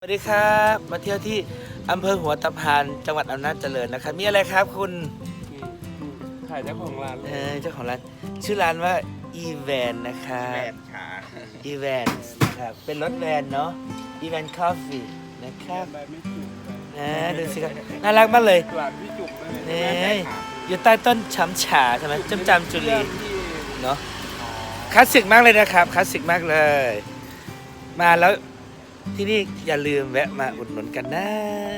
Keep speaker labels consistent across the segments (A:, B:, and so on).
A: สวัสดีครับมาเที่ยวที่อำเภอหัวตะพานจังหวัดอำนาจเจริญนะครับมีอะไรครับคุณ
B: ถ่ายเจ้าของร้าน
A: เจ้าของร้านชื่อร้านว่าอีแวนนะครับ
B: แบนขา
A: อีแวนครับเป็นรถแวนเนาะอีแวนคอฟฟี่นะครับ
B: ใบไม่จุก
A: ดูสิครับน่ารักมากเลย
B: หลานพี่จุกเลย
A: นี่อยู่ใต้ต้นช้ำฉาใช่ไหมจำจำจุลีเนาะคลาสสิกมากเลยนะครับคลาสสิกมากเลย มาแล้วที่นี่อย่าลืมแวะมาอุดหนุนกันนะ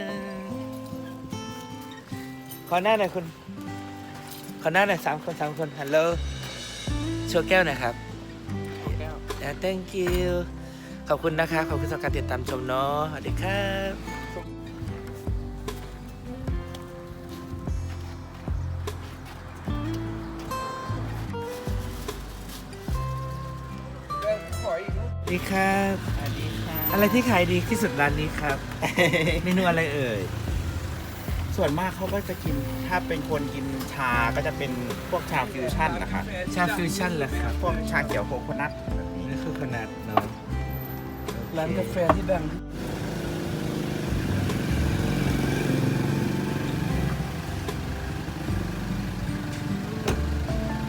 A: ขอหน้าหน่อยคุณขอหน้าหน่อย3 คนฮัลโหลโชว์แก้วหน่อยครับthank you ขอบคุณนะครับขอบคุณสำหรับการติดตามชมเนาะสวัสดีครับ
B: ขออีกรูป
A: สวัสดีครับ
B: สวัสดีค่ะ
A: อะไรที่ขายดีที่สุดร้านนี้ครับ เมนูอะไรเอ่ย
B: ส่วนมากเขาก็จะกินถ้าเป็นคนกินชาก็จะเป็นพวกชาฟิวชั่นนะคะ
A: ชาฟิวชั่นเหรอครับ
B: พวกชาเขียวโคโคนัทแบบนี้
A: นี่คือขนาดเนาะ
B: ร้านกาแฟที่ดัง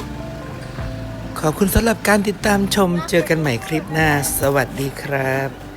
A: ขอบคุณสำหรับการติดตามชมเจอกันใหม่คลิปหน้า สวัสดีครับ